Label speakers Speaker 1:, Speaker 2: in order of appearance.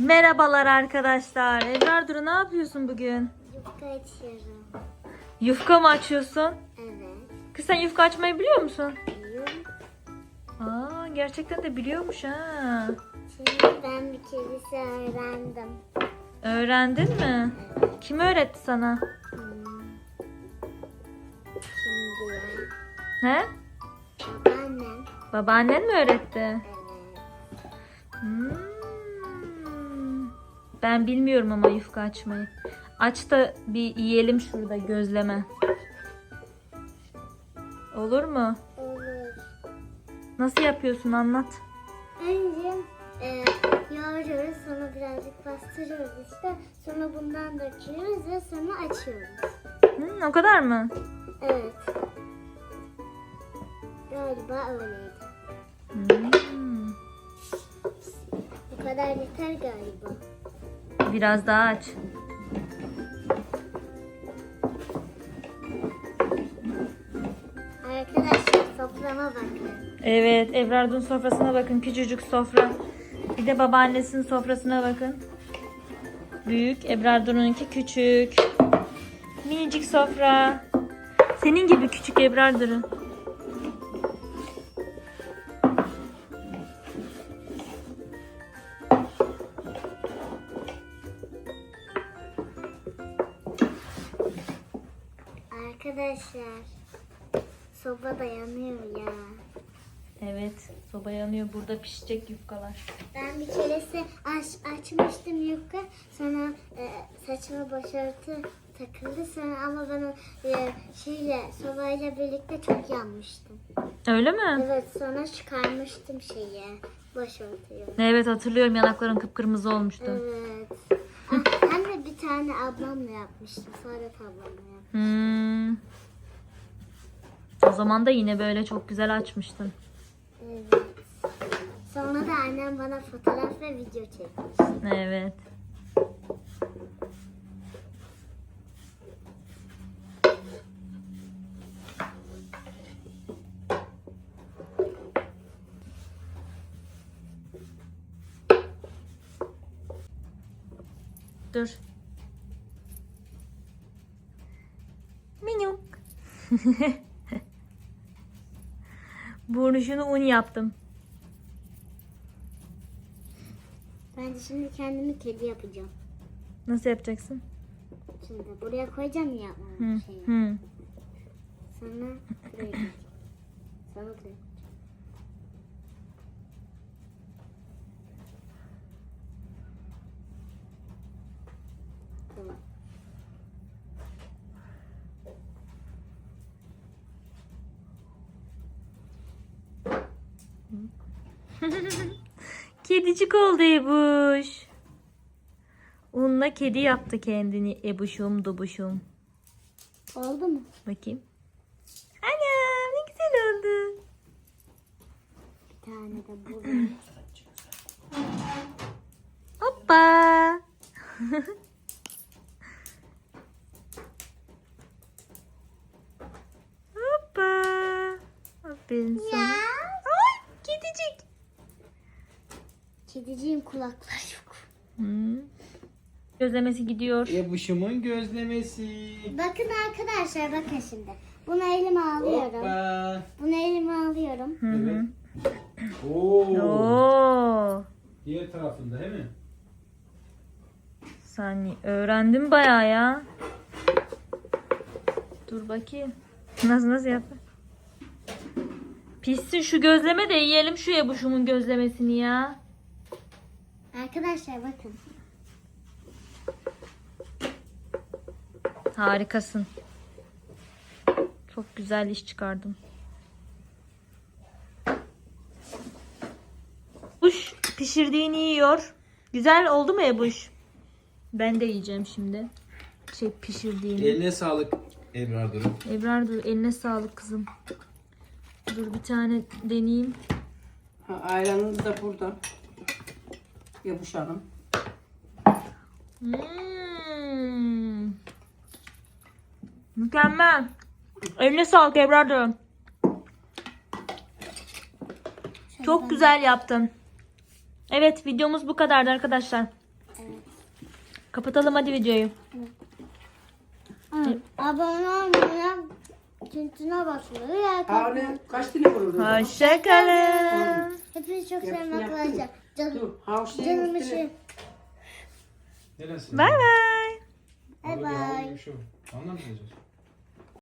Speaker 1: Merhabalar arkadaşlar. Ebrar Duru ne yapıyorsun bugün?
Speaker 2: Yufka açıyorum.
Speaker 1: Yufka mı açıyorsun?
Speaker 2: Evet.
Speaker 1: Kız sen yufka açmayı biliyor musun?
Speaker 2: Biliyorum.
Speaker 1: Aa, gerçekten de biliyormuş ha.
Speaker 2: Şimdi ben bir keresi öğrendim.
Speaker 1: Öğrendin mi?
Speaker 2: Evet.
Speaker 1: Kim öğretti sana?
Speaker 2: Şimdi
Speaker 1: He?
Speaker 2: babaannem.
Speaker 1: Babaannen mi öğretti?
Speaker 2: Evet.
Speaker 1: Hmm. Ben bilmiyorum ama yufka açmayı. Aç da bir yiyelim şurada gözleme. Olur mu?
Speaker 2: Olur.
Speaker 1: Nasıl yapıyorsun anlat.
Speaker 2: Önce yoğuruyoruz, sonra birazcık bastırıyoruz işte. Sonra bundan döküyoruz ve sonra açıyoruz.
Speaker 1: O kadar mı?
Speaker 2: Evet. Galiba öyleydi.
Speaker 1: Hmm.
Speaker 2: Bu kadar yeter galiba.
Speaker 1: Biraz daha aç.
Speaker 2: Arkadaşlar soframa bakın.
Speaker 1: Evet, Ebrar'ın sofrasına bakın. Küçücük sofra. Bir de babaannesinin sofrasına bakın. Büyük, Ebrar'ınki küçük. Minicik sofra. Senin gibi küçük Ebrar'ın.
Speaker 2: Arkadaşlar soba da yanıyor ya.
Speaker 1: Evet, soba yanıyor. Burada pişecek yufkalar.
Speaker 2: Ben bir keresi açmıştım yufka. Sonra saçıma başörtü takıldı. Sonra ama ben o sobayla birlikte çok yanmıştım.
Speaker 1: Öyle mi?
Speaker 2: Evet, sonra çıkarmıştım başörtüyü.
Speaker 1: Evet, hatırlıyorum. Yanakların kıpkırmızı olmuştu.
Speaker 2: Evet. Hem de bir tane ablamla yapmıştım. Saadet ablamla yapmıştım.
Speaker 1: O zaman da yine böyle çok güzel açmıştın.
Speaker 2: Evet. Sonra da annem bana fotoğraf ve video çekmiş.
Speaker 1: Evet. Dur. Minyuk. Burnuşunu un yaptım.
Speaker 2: Ben de şimdi kendimi kedi yapacağım.
Speaker 1: Nasıl yapacaksın?
Speaker 2: Şimdi buraya koyacağım ya şeyi.
Speaker 1: Hı.
Speaker 2: Sonra buraya koyacağım. Sonra buraya. Tamam.
Speaker 1: Kedicik oldu Ebuş. Unla kedi yaptı kendini Ebuşum dubuşum.
Speaker 2: Oldu mu?
Speaker 1: Bakayım. Anam ne güzel oldu.
Speaker 2: Bir tane de buraya.
Speaker 1: Hoppa. Hoppa. Aferin sana. Ay kedicik.
Speaker 2: Kediciğin kulakları yok.
Speaker 1: Gözlemesi gidiyor.
Speaker 3: Ebuşumun gözlemesi.
Speaker 2: Bakın arkadaşlar, bakın şimdi. Bunu elime alıyorum.
Speaker 3: Hoppa.
Speaker 2: Bunu elime alıyorum.
Speaker 3: Evet. Oo.
Speaker 1: Oo.
Speaker 3: Diğer tarafında değil mi?
Speaker 1: Sen öğrendin bayağı ya. Dur bakayım. Nasıl yap? Pişsin şu gözleme de yiyelim şu Ebuşumun gözlemesini ya.
Speaker 2: Arkadaşlar bakın.
Speaker 1: Harikasın. Çok güzel iş çıkardın. Ebuş pişirdiğini yiyor. Güzel oldu mu Ebuş? Ben de yiyeceğim şimdi. Pişirdiğini.
Speaker 3: Eline sağlık Ebrar Duru.
Speaker 1: Ebrar dur eline sağlık kızım. Dur bir tane deneyeyim.
Speaker 4: Ayranınız da burada. Yabuş Hanım.
Speaker 1: Mükemmel. Eline sağlık Ebrar dur. Çok güzel yaptın. Evet, videomuz bu kadardı arkadaşlar. Kapatalım hadi videoyu.
Speaker 2: Abone olmayı, tintine basmayı, like
Speaker 4: Ha
Speaker 2: atmayı.
Speaker 4: ne? Kaç tane var orada?
Speaker 1: Hoşçakalın.
Speaker 2: Hepinizi çok seviyorum
Speaker 4: Yaptın,
Speaker 2: arkadaşlar.
Speaker 4: yaptın.
Speaker 2: Canım,
Speaker 4: Dur. Ha o şeyin
Speaker 2: canım
Speaker 4: üstüne.
Speaker 2: için.
Speaker 3: Neresi?
Speaker 1: Bay bay.
Speaker 2: Bye bye.
Speaker 3: Anlamayacağız.